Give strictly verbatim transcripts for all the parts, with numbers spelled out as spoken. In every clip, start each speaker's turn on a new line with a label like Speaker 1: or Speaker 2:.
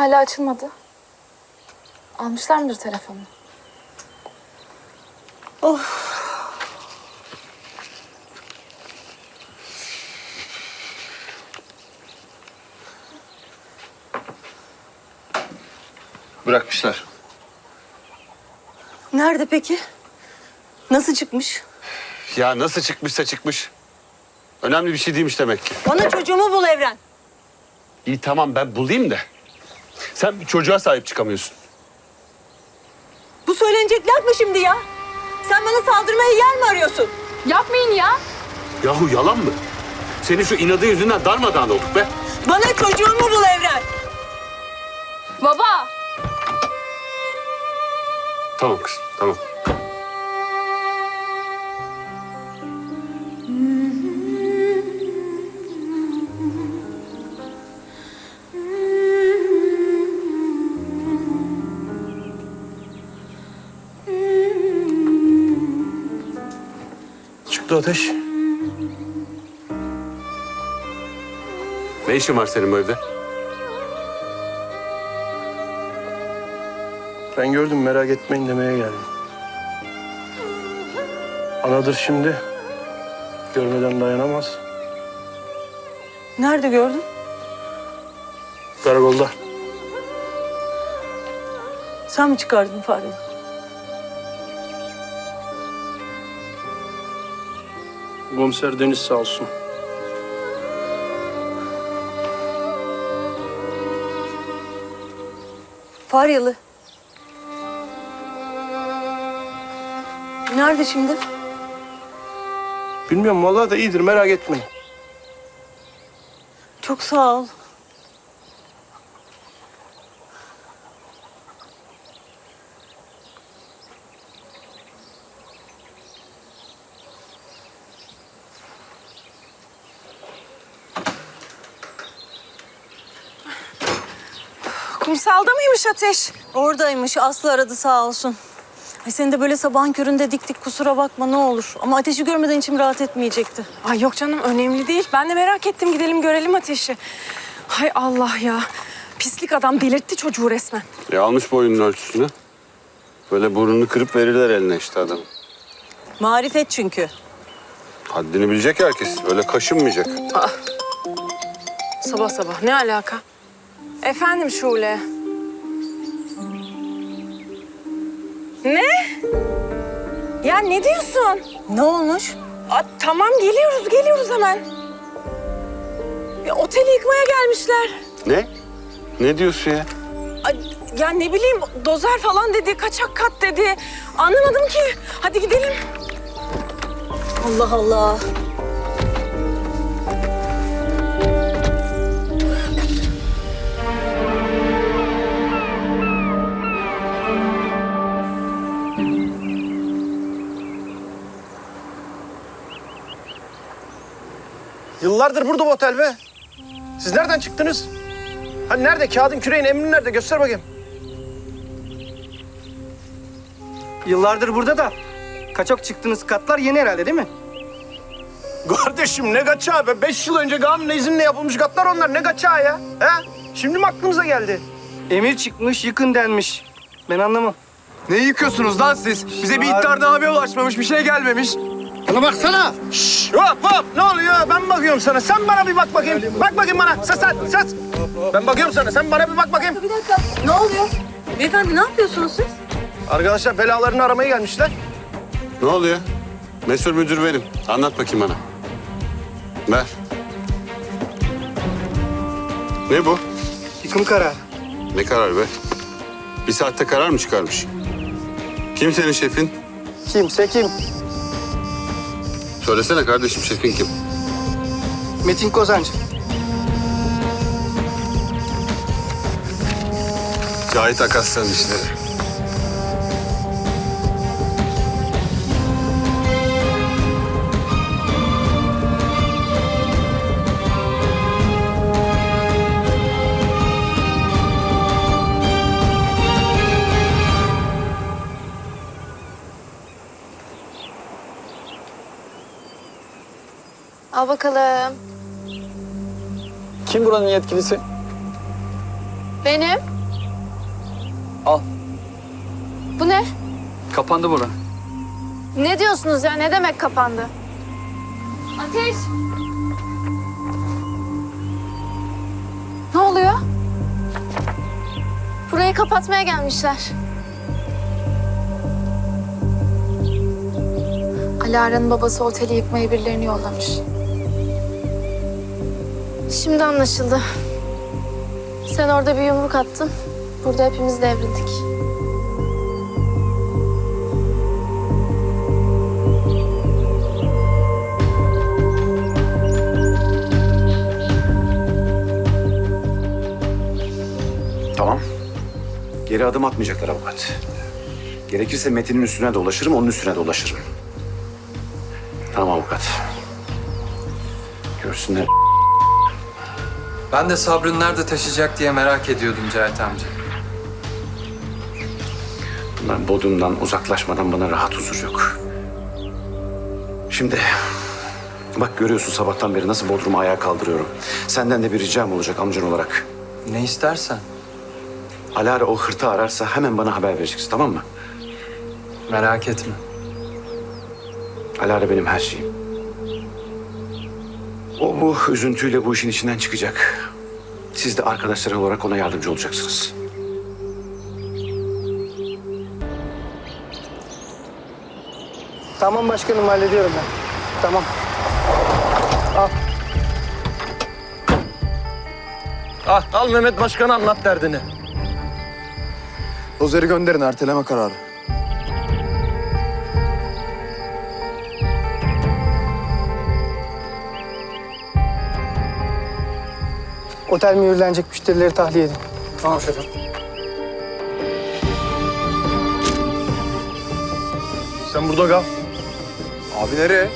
Speaker 1: hala açılmadı. Almışlar mıdır telefonu?
Speaker 2: Of.
Speaker 3: Bırakmışlar.
Speaker 2: Nerede peki? Nasıl çıkmış?
Speaker 3: Ya nasıl çıkmışsa çıkmış. Önemli bir şey değilmiş demek ki.
Speaker 2: Bana çocuğumu bul Evren.
Speaker 3: İyi tamam ben bulayım da. Sen bir çocuğa sahip çıkamıyorsun.
Speaker 2: Bu söylenecek laf mı şimdi ya? Sen bana saldırmaya yer mi arıyorsun?
Speaker 1: Yapmayın ya.
Speaker 3: Yahu yalan mı? Senin şu inadın yüzünden darmadağın olduk be.
Speaker 2: Bana çocuğumu bul Evren.
Speaker 1: Baba.
Speaker 3: Tamam kızım tamam. Çıktı ateş. Ne işin var senin bu evde?
Speaker 4: Ben gördüm, merak etmeyin demeye geldim. Anadır şimdi. Görmeden dayanamaz.
Speaker 2: Nerede gördün?
Speaker 4: Karakolda.
Speaker 2: Sen mi çıkardın fareyi?
Speaker 4: Komiser Deniz sağ olsun.
Speaker 2: Faryalı. Nerede şimdi?
Speaker 4: Bilmiyorum, vallahi da iyidir, merak etmeyin.
Speaker 2: Çok sağ ol.
Speaker 5: Kumsalda mıymış Ateş?
Speaker 2: Oradaymış. Aslı aradı sağ olsun. Ay seni de böyle sabahın köründe diktik, kusura bakma ne olur. Ama Ateş'i görmeden içim rahat etmeyecekti.
Speaker 5: Ay yok canım, önemli değil. Ben de merak ettim, gidelim görelim Ateş'i. Hay Allah ya. Pislik adam delirtti çocuğu resmen.
Speaker 3: E almış boyunun ölçüsünü. Böyle burnunu kırıp verirler eline işte adam.
Speaker 2: Marifet çünkü.
Speaker 3: Haddini bilecek herkes. Öyle kaşınmayacak.
Speaker 5: Sabah sabah ne alaka? Efendim Şule. Ne? Ya ne diyorsun?
Speaker 2: Ne olmuş?
Speaker 5: Aa, tamam geliyoruz, geliyoruz hemen. Ya, oteli yıkmaya gelmişler.
Speaker 3: Ne? Ne diyorsun ya?
Speaker 5: Ay, ya ne bileyim, dozer falan dedi, kaçak kat dedi. Anlamadım ki. Hadi gidelim.
Speaker 2: Allah Allah.
Speaker 4: Yıllardır burada bu otel be. Siz nereden çıktınız? Hani nerede? Kağıdın, küreğin, emrin nerede? Göster bakayım.
Speaker 6: Yıllardır burada da kaçak çıktığınız katlar yeni herhalde değil mi?
Speaker 4: Kardeşim ne kaçağı be? Beş yıl önce kanunla izinle yapılmış katlar onlar. Ne kaçağı ya? He? Şimdi mi aklınıza geldi?
Speaker 6: Emir çıkmış, yıkın denmiş. Ben anlamam.
Speaker 7: Ne yıkıyorsunuz lan siz? Bize bir iddianame ulaşmamış, bir şey gelmemiş.
Speaker 4: Bana baksana. Şşş, hop hop. Ne oluyor? Ben bakıyorum sana. Sen bana bir bak bakayım. Bak bakayım bana. Ses at, ses. Ben bakıyorum sana. Sen bana bir bak bakayım.
Speaker 2: Bir dakika. Ne oluyor? Beyefendi ne yapıyorsunuz siz?
Speaker 4: Arkadaşlar belalarını aramaya gelmişler.
Speaker 3: Ne oluyor? Mesul müdür benim. Anlat bakayım bana. Ver. Ne bu?
Speaker 6: Yıkım kararı.
Speaker 3: Ne karar be? Bir saatte karar mı çıkarmış? Kim senin şefin?
Speaker 6: Kimse kim?
Speaker 3: Söylesene kardeşim, şefin kim?
Speaker 6: Metin Kozancı.
Speaker 3: Cahit Akaslan'ın işleri.
Speaker 1: Al bakalım.
Speaker 7: Kim buranın yetkilisi?
Speaker 1: Benim.
Speaker 7: Al.
Speaker 1: Bu ne?
Speaker 7: Kapandı bura.
Speaker 1: Ne diyorsunuz ya? Ne demek kapandı? Ateş! Ne oluyor? Burayı kapatmaya gelmişler. Alara'nın babası oteli yıkmaya birilerini yollamış. Şimdi anlaşıldı. Sen orada bir yumruk attın. Burada hepimiz devrildik.
Speaker 8: Tamam. Geri adım atmayacaklar avukat. Gerekirse Metin'in üstüne dolaşırım, onun üstüne dolaşırım. Tamam avukat. Görsünler.
Speaker 7: Ben de Sabrı'nı nerede taşıyacak diye merak ediyordum Cahit amca.
Speaker 8: Bunlar Bodrum'dan uzaklaşmadan bana rahat huzur yok. Şimdi bak görüyorsun sabahtan beri nasıl Bodrum'u ayağa kaldırıyorum. Senden de bir ricam olacak amcan olarak.
Speaker 7: Ne istersen.
Speaker 8: Alara o hırtı ararsa hemen bana haber vereceksin, tamam mı?
Speaker 7: Merak etme.
Speaker 8: Alara benim her şeyim. O bu üzüntüyle bu işin içinden çıkacak. Siz de arkadaşlar olarak ona yardımcı olacaksınız.
Speaker 6: Tamam başkanım, hallediyorum ben. Tamam.
Speaker 4: Ah, al Mehmet Başkan'a anlat derdini.
Speaker 7: Dozeri gönderin, erteleme kararı.
Speaker 6: Otel mühürlenecek, müşterileri tahliye edin.
Speaker 7: Tamam şefim.
Speaker 4: Sen burada kal.
Speaker 7: Abi nereye?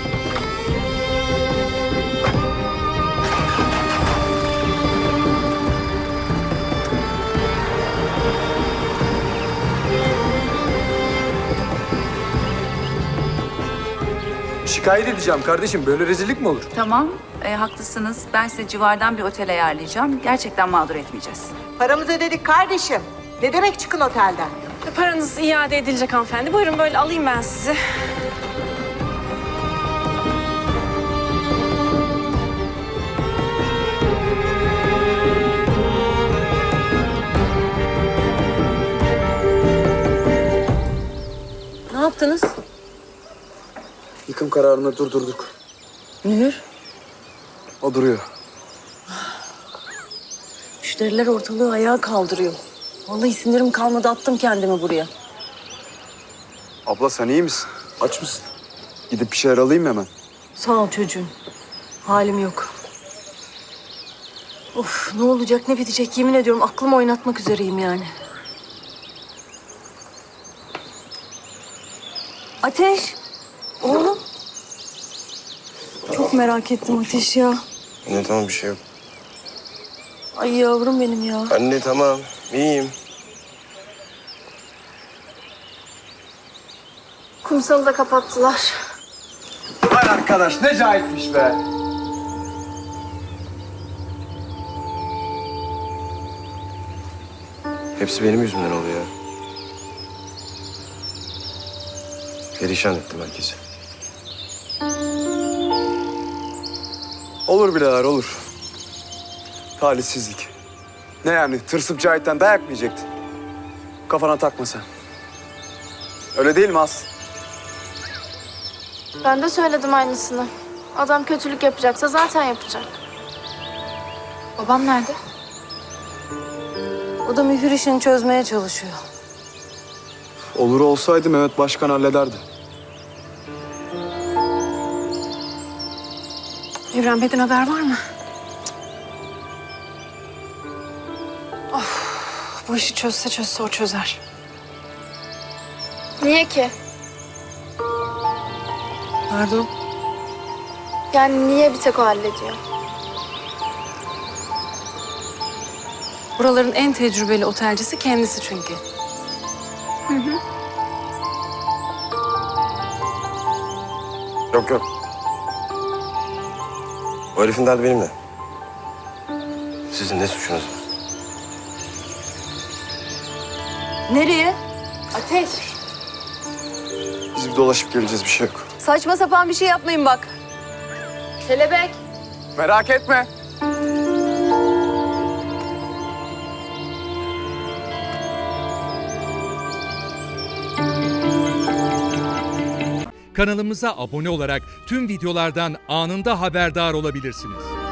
Speaker 7: Şikayet edeceğim kardeşim. Böyle rezillik mi olur?
Speaker 9: Tamam, e, haklısınız. Ben size civardan bir otel ayarlayacağım. Gerçekten mağdur etmeyeceğiz.
Speaker 10: Paramızı ödedik kardeşim. Ne demek çıkın otelden?
Speaker 5: Paranız iade edilecek hanımefendi. Buyurun böyle alayım ben sizi.
Speaker 2: Ne yaptınız?
Speaker 7: Yıkım kararını durdurduk.
Speaker 2: Mühür.
Speaker 7: O duruyor.
Speaker 2: Müşteriler ortalığı ayağa kaldırıyor. Vallahi sinirim kalmadı, attım kendimi buraya.
Speaker 7: Abla sen iyi misin? Aç mısın? Gidip bir şeyler alayım mı hemen?
Speaker 2: Sağ ol çocuğum. Halim yok. Of, ne olacak ne bitecek yemin ediyorum aklımı oynatmak üzereyim yani. Ateş. Oğlum. Çok merak ettim Ateş ya.
Speaker 11: Anne tamam bir şey yok.
Speaker 2: Ay yavrum benim ya.
Speaker 11: Anne tamam iyiyim.
Speaker 1: Kumsalı da kapattılar.
Speaker 7: Vay arkadaş ne cahitmiş be.
Speaker 11: Hepsi benim yüzümden oluyor. Perişan ettim herkesi.
Speaker 7: Olur birader olur. Talihsizlik. Ne yani tırsıp Cahit'ten dayak mı yiyecektin? Kafana takma sen. Öyle değil mi Aslı?
Speaker 1: Ben de söyledim aynısını. Adam kötülük yapacaksa zaten yapacak. Babam nerede?
Speaker 2: O da mühür işini çözmeye çalışıyor.
Speaker 7: Olur olsaydı Mehmet Başkan hallederdi.
Speaker 5: Evren Bey'den haber var mı? Of, bu işi çözse çözse o çözer.
Speaker 1: Niye ki?
Speaker 2: Pardon.
Speaker 1: Yani niye bir tek o hallediyor?
Speaker 5: Buraların en tecrübeli otelcisi kendisi çünkü.
Speaker 11: Yok yok. O herifin derdi benimle. Sizin ne suçunuz var?
Speaker 2: Nereye?
Speaker 1: Ateş.
Speaker 7: Biz bir dolaşıp geleceğiz, bir şey yok.
Speaker 2: Saçma sapan bir şey yapmayın bak.
Speaker 1: Kelebek.
Speaker 7: Merak etme.
Speaker 12: Kanalımıza abone olarak tüm videolardan anında haberdar olabilirsiniz.